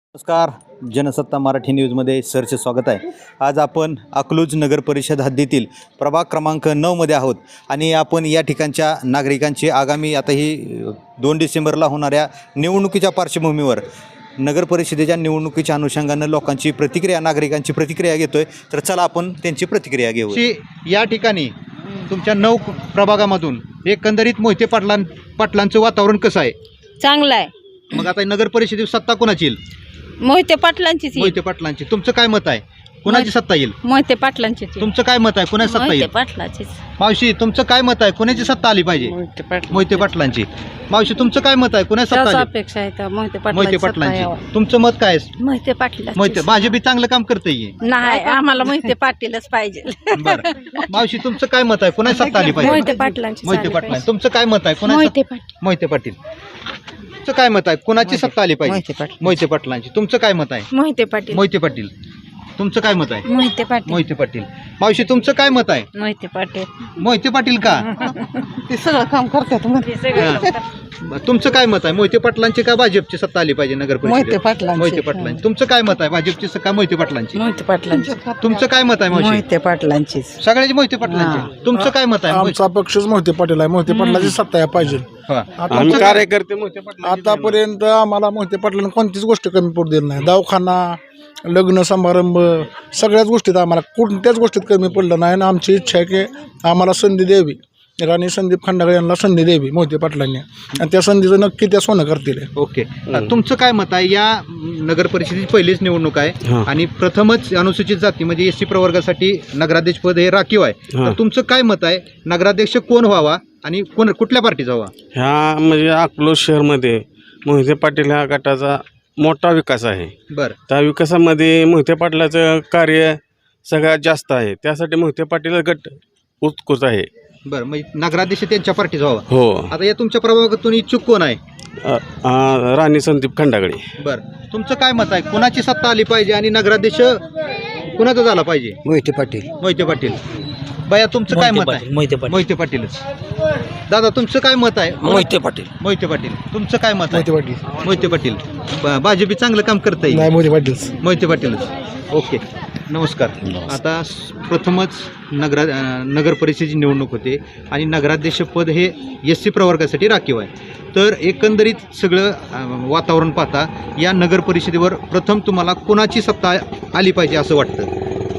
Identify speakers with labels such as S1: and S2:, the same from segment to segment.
S1: नमस्कार. जनसत्ता मराठी न्यूजमध्ये सरचे स्वागत आहे. आज आपण अकलूज नगर परिषद हद्दीतील प्रभाग क्रमांक 9 मध्ये आहोत आणि आपण या ठिकाणच्या नागरिकांची आगामी आता ही 2 डिसेंबरला होणाऱ्या निवडणुकीच्या पार्श्वभूमीवर नगर परिषदेच्या निवडणुकीच्या अनुषंगानं लोकांची प्रतिक्रिया, नागरिकांची प्रतिक्रिया घेतोय. तर चला आपण त्यांची प्रतिक्रिया घेऊ. या ठिकाणी तुमच्या 9 प्रभागामधून एकंदरीत मोहिते पाटलांचं वातावरण कसं आहे?
S2: चांगला आहे.
S1: मग आता नगर परिषदेत सत्ता कोणाची येईल?
S2: मोहिते पाटलांचीच येईल.
S1: मोहिते पाटलांची. तुमचं काय मत आहे? कोणाची सत्ता येईल?
S2: मोहिते पाटलांचीच येईल.
S1: तुमचं काय मत आहे? कोणाची सत्ता
S2: मोहिते
S1: येईल?
S2: पाटलाचीच.
S1: मावशी तुमचं काय मत आहे? कोणाची सत्ता आली पाहिजे? मोहिते पाटलांची. मावशी तुमचं काय मत आहे? कोणाची सत्ता आली?
S2: अपेक्षा आहे
S1: मोहिते पाटलांची. तुमचं मत काय आहे?
S2: मोहिते पाटील.
S1: मोहिते माझे बी चांगलं काम करतंय.
S2: नाही, आम्हाला मोहिते पाटीलच पाहिजे.
S1: बरं. मावशी तुमचं काय मत आहे? कोणाची सत्ता आली पाहिजे?
S2: मोहिते पाटलांची.
S1: मोहिते पाटलांची. तुमचं काय मत आहे? कोणाची?
S2: मोहिते पाटील.
S1: मोहिते पाटील. तुमचं काय मत आहे? कोणाची सत्ता आली पाहिजे? मोहिते पाटलांची. तुमचं काय मत आहे?
S2: मोहिते पाटील.
S1: मोहिते पाटील. तुमचं काय मत आहे?
S2: मोहिते पाटील.
S1: मोहिते पाटील. मावशी तुमचं काय मत आहे?
S2: मोहिते पाटील.
S1: मोहिते पाटील का?
S2: ते सगळं काम करतात.
S1: तुमचं काय मत आहे? मोहिते पाटलांची का भाजपची सत्ता आली पाहिजे नगर परिषदेत?
S2: मोहिते पाटलांची.
S1: मोहिते पाटलांची. तुमचं काय मत आहे? भाजपची का मोहिते पाटलांची?
S2: मोहिते पाटलांची.
S1: तुमचं काय मत आहे? मावशी
S2: मोहिते पाटलांची.
S1: सगळ्याचे मोहिते पाटलांचे. तुमचं काय मत आहे?
S3: आमचा पक्षच मोहिते पाटील आहे. मोहिते पाटलाची सत्ता आहे पाहिजे.
S1: आम्ही कार्यकर्ते मोहिते पाटील.
S3: आतापर्यंत आम्हाला मोहिते पाटलांना कोणतीच गोष्ट कमी पडू दिली नाही. दवाखाना, लग्न समारंभ, सगळ्याच गोष्टीत आम्हाला कोणत्याच गोष्टीत कमी पडलं नाही. आणि आमची इच्छा आहे की आम्हाला संधी द्यावी, राणी संदीप खंडागळे यांना संधी द्यावी मोहिते पाटलांनी, आणि त्या संधीचं नक्की त्या सोनं करतील.
S1: ओके. तुमचं काय मत आहे? या नगर परिषदेची पहिलीच निवडणूक आहे आणि प्रथमच अनुसूचित जाती म्हणजे SC प्रवर्गासाठी नगराध्यक्ष पद हे राखीव आहे. तर तुमचं काय मत आहे? नगराध्यक्ष कोण व्हावा आणि कुठल्या पार्टीचा व्हावा?
S4: ह्या म्हणजे अकलूज शहरमध्ये मोहिते पाटील ह्या गटाचा मोठा विकास आहे.
S1: बरं.
S4: त्या विकासामध्ये मोहिते पाटलाचं कार्य सगळ्यात जास्त आहे. त्यासाठी मोहिते पाटील गट उत्कृष्ट आहे.
S1: बरं, मग नगराध्यक्ष त्यांच्या पार्टीचा व्हावा.
S4: हो.
S1: आता या तुमच्या प्रभागातून इच्छुक कोण आहे?
S4: राणी संदीप खंडागळे.
S1: बरं, तुमचं काय मत आहे? कोणाची सत्ता आली पाहिजे आणि नगराध्यक्ष कोणाचा झाला पाहिजे?
S3: मोहिते पाटील.
S1: मोहिते पाटील. बया तुमचं काय मत आहे? मोहिते पाटीलच. दादा तुमचं काय मत आहे?
S3: मोहिते पाटील.
S1: मोहिते पाटील. तुमचं काय मत आहे?
S3: मोहिते पाटील.
S1: मोहिते पाटील. भाजपी चांगलं काम करता येईल.
S3: नाही, मोहिते पाटील.
S1: मोहिते पाटीलच. ओके. नमस्कार. आता प्रथमच नगर परिषदेची निवडणूक होते आणि नगराध्यक्ष पद हे SC प्रवर्गासाठी राखीव आहे. तर एकंदरीत सगळं वातावरण पाहता या नगर परिषदेवर प्रथम तुम्हाला कोणाची सत्ता आली पाहिजे असं वाटतं?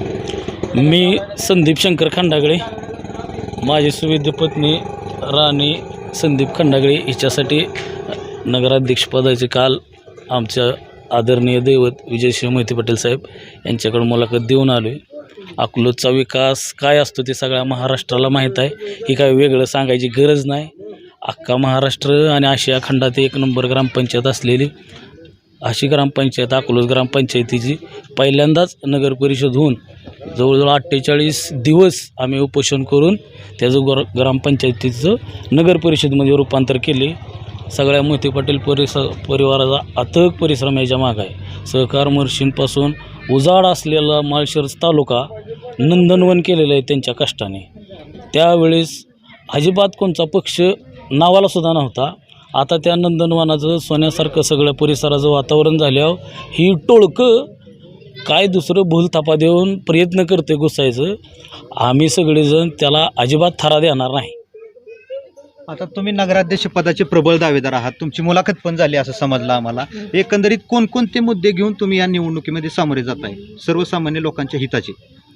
S5: मी संदीप शंकर खंडागळे, माझी सुविद्य पत्नी राणी संदीप खंडागळे हिच्यासाठी नगराध्यक्षपदाचे काल आमच्या आदरणीय दैवत विजयसिंह मोहिते पाटील साहेब यांच्याकडून मुलाखत देऊन आलो आहे. अकलूजचा विकास काय असतो ते सगळ्या महाराष्ट्राला माहीत आहे. ही काय वेगळं सांगायची गरज नाही. अख्खा महाराष्ट्र आणि आशिया खंडात 1 नंबर ग्रामपंचायत असलेली अशी ग्रामपंचायत अकलूज ग्रामपंचायतीची पहिल्यांदाच नगर परिषद होऊन जवळजवळ 48 दिवस आम्ही उपोषण करून त्याचं ग्रामपंचायतीचं नगर परिषदमध्ये रूपांतर केले. सगळ्या मोहिते पाटील परिवाराचा अथक परिश्रम याच्या मागं आहे. सहकार मर्शींपासून उजाड असलेला माळशिरस तालुका नंदनवन केलेलं आहे त्यांच्या कष्टाने. त्यावेळेस अजिबात कोणचा पक्ष नावालासुद्धा नव्हता. आता त्या नंदनवनाचं सोन्यासारखं सगळ्या परिसराचं वातावरण झाल्यावर ही टोळकं काय दुसरं भूलथापा देऊन प्रयत्न करते घुसायचं. आम्ही सगळेजण त्याला अजिबात थारा देणार नाही.
S1: आता तुम्ही नगराध्यक्ष पदाचे प्रबळ दावेदार आहात. तुमची मुलाखत पण झाली असं समजलं आम्हाला. एकंदरीत कोणकोणते मुद्दे घेऊन तुम्ही या निवडणुकीमध्ये सामोरे जात आहे सर्वसामान्य लोकांच्या हिताचे?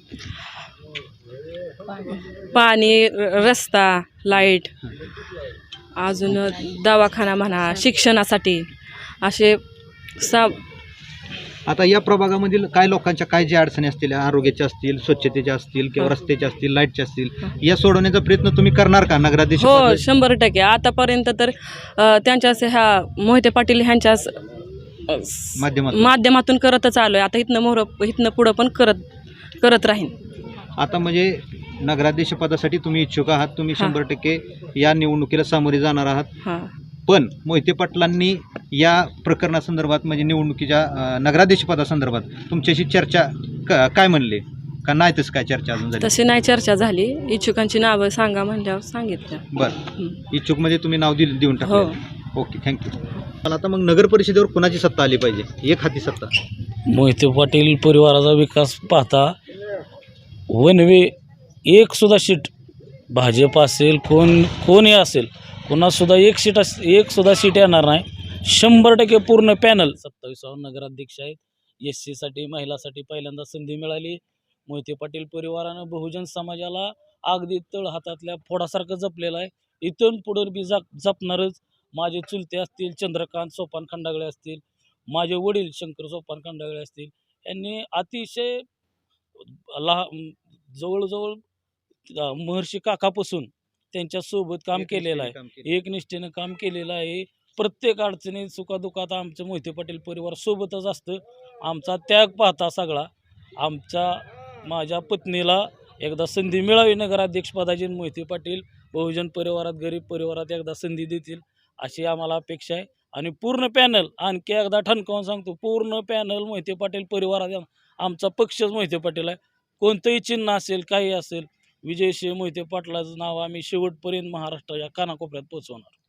S6: पाणी, रस्ता, लाईट, अजून दवाखाना म्हणा, शिक्षणासाठी असे
S1: आता या प्रभागामधील काय लोकांच्या काय ज्या अडचणी असतील, आरोग्याच्या असतील, स्वच्छतेच्या असतील किंवा रस्त्याच्या असतील, लाईटच्या असतील, या सोडवण्याचा प्रयत्न तुम्ही करणार का नगराध्यक्ष?
S6: हो, 100%. आतापर्यंत तर त्यांच्याच ह्या मोहिते पाटील ह्यांच्याच माध्यमातून करतच आलो आहे. आता इथनं पुढं पण करत राहीन.
S1: आता म्हणजे नगराध्यक्ष पदासाठी तुम्ही इच्छुक आहात. तुम्ही 100% या निवडणुकीला सामोरे जाणार आहात. पण मोहिते पाटलांनी या प्रकरणासंदर्भात म्हणजे निवडणुकीच्या नगराध्यक्ष पदासंदर्भात तुमच्याशी चर्चा काय म्हणले का नाही? तसं काय चर्चा अजून झाली?
S6: तशी नाही चर्चा झाली. इच्छुकांची नावं सांगा म्हणल्यावर सांगितलं.
S1: बरं, इच्छुक म्हणजे तुम्ही नाव देऊन टाकलं. Okay, thank you. पण आता मग नगर परिषदेवर कोणाची सत्ता आली पाहिजे, एक हाती सत्ता?
S5: मोहिते पाटील परिवाराचा विकास पाहता वनवे एक सुद्धा सीट भाजप असेल कोणी असेल कोणासुद्धा एक सुद्धा सीट येणार नाही. 100% पूर्ण पॅनल 27 नगराध्यक्ष आहेत. SC साठी महिलासाठी पहिल्यांदा संधी मिळाली. मोहिते पाटील परिवारानं बहुजन समाजाला अगदी तळ हातातल्या फोडासारखं जपलेलं आहे. इथून पुढं बी जपणारच. माझे चुलते असतील चंद्रकांत सोपान खंडागळे असतील, माझे वडील शंकर सोपान खंडागळे असतील, यांनी अतिशय जवळजवळ महर्षी काकापासून त्यांच्यासोबत काम केलेलं आहे. एकनिष्ठेनं काम केलेलं आहे. प्रत्येक अडचणीत सुखादुखात आमचं मोहिते पाटील परिवार सोबतच असतं. आमचा त्याग पाहता सगळा माझ्या पत्नीला एकदा संधी मिळावी नगराध्यक्षपदाची. मोहिते पाटील बहुजन परिवारात गरीब परिवारात एकदा संधी देतील अशी आम्हाला अपेक्षा आहे. आणि पूर्ण पॅनल आणखी एकदा ठणकावून सांगतो, पूर्ण पॅनल मोहिते पाटील परिवारात. आमचा पक्षच मोहिते पाटील आहे. कोणतंही चिन्ह असेल काही असेल, विजयसिंह मोहिते पाटलाचं नाव आम्ही शेवटपर्यंत महाराष्ट्राच्या कानाकोपऱ्यात पोहोचवणार.